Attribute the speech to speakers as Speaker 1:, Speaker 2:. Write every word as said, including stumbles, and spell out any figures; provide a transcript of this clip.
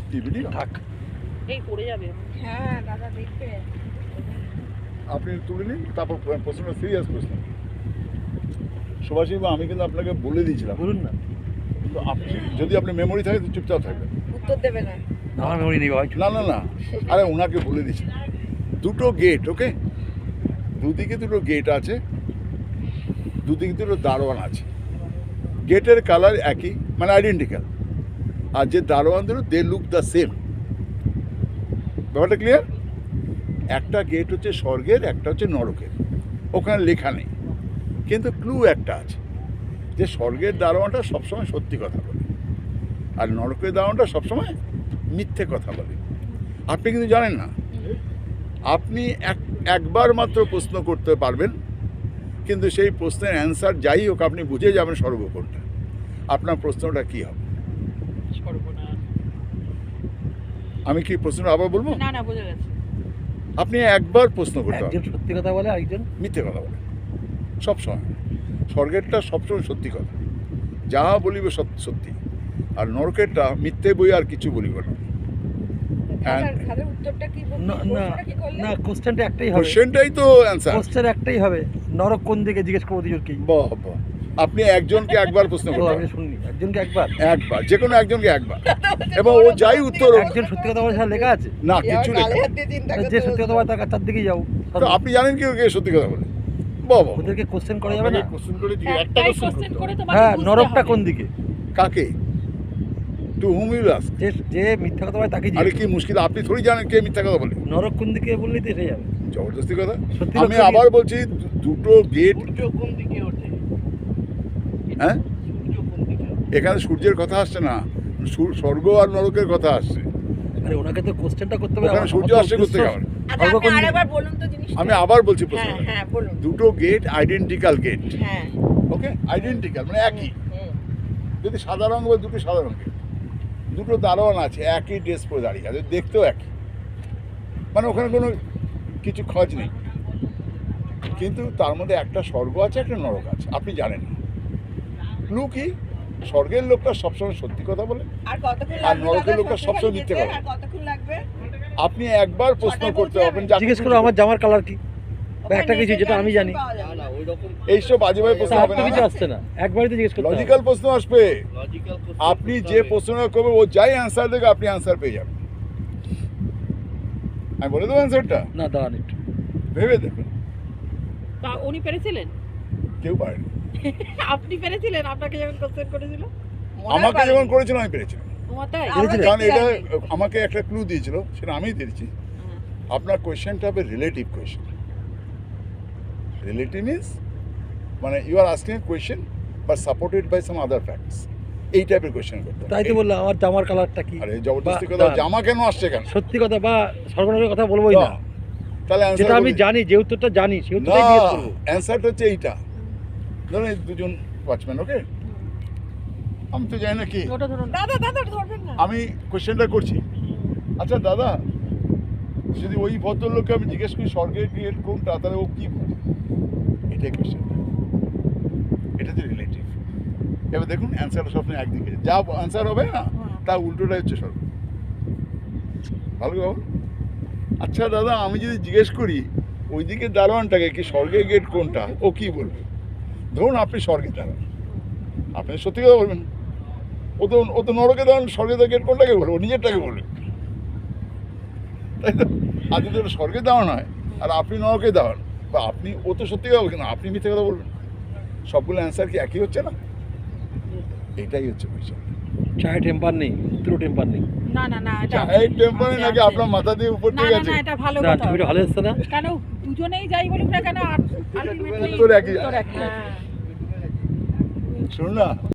Speaker 1: কি ভিডিও
Speaker 2: থাক
Speaker 3: এই পড়ে যাবে।
Speaker 4: হ্যাঁ দাদা দেখবে।
Speaker 1: আপনি তুলে নিন, তারপর প্রশ্নটা সিরিয়াস প্রশ্ন। সুভাষিস, আমি কিন্তু আপনাকে বলে দিয়েছিলাম,
Speaker 2: বলুন না।
Speaker 1: কিন্তু আপনি যদি আপনি মেমোরি থাকে তো চুপচাপ থাকবেন।
Speaker 4: উত্তর দেবে না।
Speaker 2: আমার মেমোরি নেই ভাই।
Speaker 1: না না না, আরে ওনাকে বলে দিচ্ছি। দুটো গেট, ওকে, দুদিকে দুটো গেট আছে, দুদিকে দুটো দারোয়ান আছে। গেটের কালার একই, মানে আইডেন্টিক্যাল, আর যে দারোয়ান দুটো দে লুক দ্য সেম। ব্যাপারটা ক্লিয়ার? একটা গেট হচ্ছে স্বর্গের, একটা হচ্ছে নরকের। ওখানে লেখা নেই, কিন্তু ক্লু একটা আছে যে স্বর্গের দারোয়ানটা সবসময় সত্যি কথা বলে, আর নরকের দারোয়ানটা সবসময় মিথ্যে কথা বলে। আপনি কিন্তু জানেন না। আপনি এক একবার মাত্র প্রশ্ন করতে পারবেন, কিন্তু সেই প্রশ্নের অ্যান্সার যাই হোক আপনি বুঝে যাবেন স্বর্গ কোনটা। আপনার প্রশ্নটা কী হবে?
Speaker 3: সর্বনাশ।
Speaker 1: আমি কি প্রশ্নটা আবার বলবো?
Speaker 3: না না বোঝা গেছে।
Speaker 1: আপনি একবার প্রশ্ন করতে
Speaker 2: একজন
Speaker 1: পারবেন,
Speaker 2: সত্যি কথা বলে, আরেকজন
Speaker 1: মিথ্যে কথা বলে। সবসময় স্বর্গেরটা সবসময় সত্যি কথা, যা বলিবে সত্যি, আর নরকেরটা মিথ্যে বই আর কিছু বলিব না।
Speaker 4: খাদার খাদার উত্তরটা কি বলবো?
Speaker 2: না না
Speaker 4: প্রশ্নটা কি করলে?
Speaker 2: না, কোশ্চেনটা একটাই হবে।
Speaker 1: কোশ্চেনটাই তো অ্যান্সার।
Speaker 2: কোশ্চেন একটাই হবে, নরক কোন দিকে জিজ্ঞেস করবো দুজনকে।
Speaker 1: বাহ বাহ, আপনি একজনকে একবার প্রশ্ন
Speaker 2: ও
Speaker 1: করতে
Speaker 2: আমি
Speaker 1: পারেন,
Speaker 2: শুনিনি, একজনকে একবার।
Speaker 1: একবার, যে কোনো একজনকে একবার, এবং ও যাই উত্তর হোক।
Speaker 2: একজন সত্যি কথা বলে সেটা লেখা আছে।
Speaker 1: না,
Speaker 4: এবার
Speaker 1: কিছু লেখা
Speaker 4: গালে
Speaker 1: নেই।
Speaker 4: হাত দিয়ে চিন্তা
Speaker 2: যে
Speaker 4: করতে
Speaker 2: সত্যি কথা বলে তার তার দিকেই যাও।
Speaker 1: তো আপনি জানেন কি কে সত্যি কথা বলে? বাহ বাহ,
Speaker 2: ওদেরকে কোশ্চেন করা যাবে না।
Speaker 1: কোশ্চেন করে দিয়ে একটা
Speaker 3: একটাই
Speaker 1: কোশ্চেন
Speaker 3: কোশ্চেন
Speaker 1: করতে
Speaker 3: করে
Speaker 1: হবে।
Speaker 3: তোমাকে
Speaker 2: হ্যাঁ,
Speaker 3: বুঝতে
Speaker 2: নরকটা
Speaker 3: হবে।
Speaker 2: কোন দিকে?
Speaker 1: কাকে? To whom you ask?
Speaker 2: যে যে মিথ্যা কথা বলে তাকে
Speaker 1: আরে
Speaker 2: জিজ্ঞেস।
Speaker 1: কি মুশকিল, আপনি থোড়ি জানেন কে মিথ্যা কথা বলে।
Speaker 2: নরক কোন দিকে বললেই তো এসে যাবে।
Speaker 1: জবরদস্তি কথা।
Speaker 2: সত্যি
Speaker 1: আমি
Speaker 2: কথা কি?
Speaker 1: আবার বলছি, দু- দুটো গেট।
Speaker 3: সূর্য কোন দিকে ওঠে?
Speaker 1: হ্যাঁ,
Speaker 3: সূর্য কোন দিকে ওঠে?
Speaker 1: এখানে সূর্যের কথা আসছে না, সূর- স্বর্গ আর নরকের কথা আসছে।
Speaker 2: আরে ওনাকে তো কোশ্চেনটা করতে হবে।
Speaker 1: ওখানে
Speaker 2: আমার-
Speaker 1: সূর্য
Speaker 2: আমার তো
Speaker 1: আসছে করতে
Speaker 2: উদ্দেশ্য-
Speaker 1: গেল।
Speaker 4: আচ্ছা
Speaker 2: স্বর্গ
Speaker 4: আপনি
Speaker 2: কোন দিকে?
Speaker 4: আরেকবার বলুন তো জিনিসটা।
Speaker 1: আমি আবার বলছি
Speaker 4: হ্যাঁ
Speaker 1: প্রশ্নটা।
Speaker 4: হ্যাঁ বলুন।
Speaker 1: দুটো গেট আইডেন্টিক্যাল গেট,
Speaker 4: হ্যাঁ
Speaker 1: ওকে, আইডেন্টিক্যাল মানে একই।
Speaker 4: হুম।
Speaker 1: যদি সাদা রঙ বা দুটো সাদা রঙের, দুটো দারোয়ান আছে একই ড্রেস পরে দাঁড়িয়ে আছে, দেখতেও একই, মানে ওখানে কোনো কিছু খোঁজ নেই, কিন্তু তার মধ্যে একটা স্বর্গ আছে একটা নরক আছে, আপনি জানেন না। ক্লু কি? স্বর্গের লোকটা সবসময় সত্যি কথা বলে,
Speaker 4: আর কতক্ষণ
Speaker 1: আর
Speaker 4: লাগবে?
Speaker 1: নরকের
Speaker 4: দাদা
Speaker 1: লোকটা
Speaker 4: সত্যি
Speaker 1: সবসময়
Speaker 4: খালি
Speaker 1: মিথ্যে
Speaker 4: যেতে?
Speaker 1: বলে।
Speaker 4: আর কতক্ষণ লাগবে?
Speaker 1: আপনি একবার প্রশ্ন
Speaker 4: ছটায়
Speaker 1: করতে
Speaker 4: পৌঁছে
Speaker 1: পারবেন।
Speaker 4: যাবে?
Speaker 2: জিজ্ঞেস করো আমার জামার কালার কি, বা একটা কিছু যেটা আমি জানি।
Speaker 4: পাওয়া যাবে না।
Speaker 1: এইসব বাজে বাজে প্রশ্ন
Speaker 2: তার
Speaker 1: হবে
Speaker 2: তো কিছু
Speaker 1: না,
Speaker 2: আসছে না, একবারই তো জিজ্ঞেস করতে হবে।
Speaker 1: লজিক্যাল প্রশ্ন আসবে। আপনি যে প্রশ্নটা করবেন ও যাই অ্যান্সার দেবে আপনি অ্যান্সার পেয়ে যাবেন। আমি বলে দেবো অ্যান্সারটা,
Speaker 2: না দাঁড়ান একটু।
Speaker 1: ভেবে দেখুন।
Speaker 3: তা উনি পেরেছিলেন?
Speaker 1: কেউ পারেনি।
Speaker 3: আপনি পেরেছিলেন? আপনাকে যখন কোশ্চেন করেছিল?
Speaker 4: মনে
Speaker 1: আমাকে
Speaker 4: পারেনি।
Speaker 1: যখন করেছিল আমি পেরেছিলাম,
Speaker 3: তোমার তাই?
Speaker 4: আমরা
Speaker 2: পেরেছিলেন?
Speaker 1: কারণ
Speaker 4: দেখতে
Speaker 1: এটা
Speaker 4: যাইনি।
Speaker 1: আমাকে একটা ক্লু দিয়েছিল, সেটা আমিই দিয়েছি।
Speaker 3: হ্যাঁ।
Speaker 1: আপনার কোয়েশ্চেনটা হবে রিলেটিভ কোয়েশ্চেন। রিলেটিভ মিনস মানে you are asking a question but supported by some other facts, এই টাইপের কোয়েশ্চেন করতে হবে।
Speaker 2: তাই তো বললাম আমার জামার কালারটা কি।
Speaker 1: আরে জবরদস্তি
Speaker 2: বা-
Speaker 1: কথা,
Speaker 2: দাঁড়ান।
Speaker 1: জামা কেন আসছে কেন?
Speaker 2: সত্যি কথা বা সর্বনাশের কথা বলবোই না।
Speaker 1: না, তাহলে
Speaker 2: যেটা
Speaker 1: অ্যান্সার
Speaker 2: আমি জানি, যে উত্তরটা জানি সেই
Speaker 1: না,
Speaker 2: উত্তরটাই জিজ্ঞেস করবো।
Speaker 1: অ্যান্সারটা হচ্ছে এইটা। ধরুন এই দুজন ওয়াচম্যান, ওকে, আমি তো জানি না কি,
Speaker 3: ওটা ধরুন।
Speaker 4: দাদা দাদা ওটা ধরবেন না।
Speaker 1: আমি কোয়েশ্চেনটা করছি। আচ্ছা দাদা, যদি ওই ভদ্রলোককে আমি জিজ্ঞেস করি স্বর্গের গেট কোনটা, তাহলে ও কি বলবে? এটাই কোয়েশ্চেন, এটা হচ্ছে রিলেটিভ। এবার দেখুন অ্যান্সারটা সবসময় একদিকে, যা অ্যান্সার হবে না তা উল্টোটাই হচ্ছে স্বর্গ। ভালো খবর। আচ্ছা দাদা, আমি যদি জিজ্ঞেস করি ওইদিকে দারোয়ানটাকে কি স্বর্গের গেট কোনটা, ও কি বলবে? ধরুন আপনি স্বর্গে দাঁড়ান, আপনি সত্যি কথা বলবেন। ও তো ও তো নরকে দাঁড়ান, স্বর্গের গেট কোনটাকে বলবে? ও নিজেরটাকে বলবে, তাই তো? আর যদি ওটা স্বর্গে দাঁড়ান হয় আর আপনি নরকে দাঁড়ান, বা আপনি, ও তো সত্যি কথা বলবেন, আপনি মিথ্যে কথা বলবেন, সবগুলো অ্যান্সার কি একই হচ্ছে না? এটাই হচ্ছে বিষয়।
Speaker 2: চায়ে টেম্পার নেই, উত্তর টেম্পার নেই।
Speaker 3: না না না এটা
Speaker 1: এই টেম্পারে
Speaker 3: আছে,
Speaker 1: নাকি
Speaker 3: আছে।
Speaker 1: আপনার মাথা দিয়ে উপর
Speaker 3: না
Speaker 1: দিয়ে
Speaker 3: না
Speaker 1: গেছে?
Speaker 3: না এটা ভালো
Speaker 2: দাঁড়ান,
Speaker 3: কথা।
Speaker 2: ছবিটা ভালো এসছে না?
Speaker 3: কেন দুজনেই যাই বলুক না কেন, আলটিমেটলি
Speaker 1: উত্তর একই।
Speaker 3: উত্তর একই।
Speaker 1: শুনুন না,